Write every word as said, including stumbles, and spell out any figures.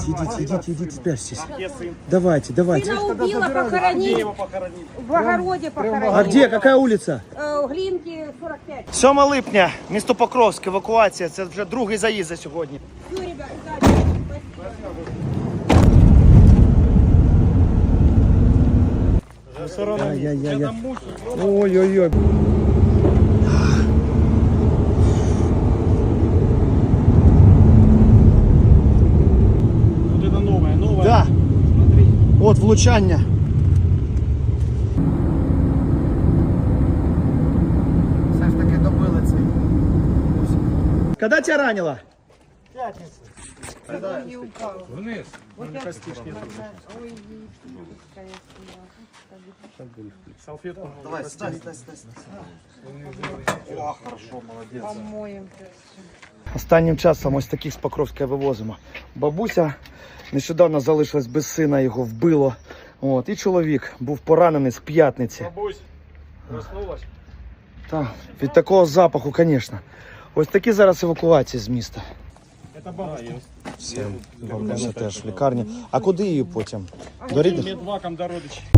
идите, идите, идите, идите, спрячьтесь. Давайте, давайте. Сына убила, похоронить. В огороде похоронить. А где? Какая улица? Э, Глинки, сорок пять. сьоме липня, місто Покровськ, евакуація. Це вже другий заїзд за сьогодні. Все, ребят, удачи. Ай-яй-яй. Ой-ой-ой. Вот это новое, новое. Да. Смотри. От влучання. Все ж таки добили цей. Коли тебе ранило? Вниз. Салфетку. Давай, стой, стой, стой. О, хорошо, молодець. Останнім часом ось таких з Покровська вивозимо. Бабуся нещодавно залишилась без сина, його вбило. От, і чоловік був поранений з п'ятниці. Бабусь, проснулась? Так, від такого запаху, звісно. Ось такі зараз евакуації з міста. Это бабушка. Все, бабуся теж в лікарні. А куди її потім? До рідних? Медваком до родичей.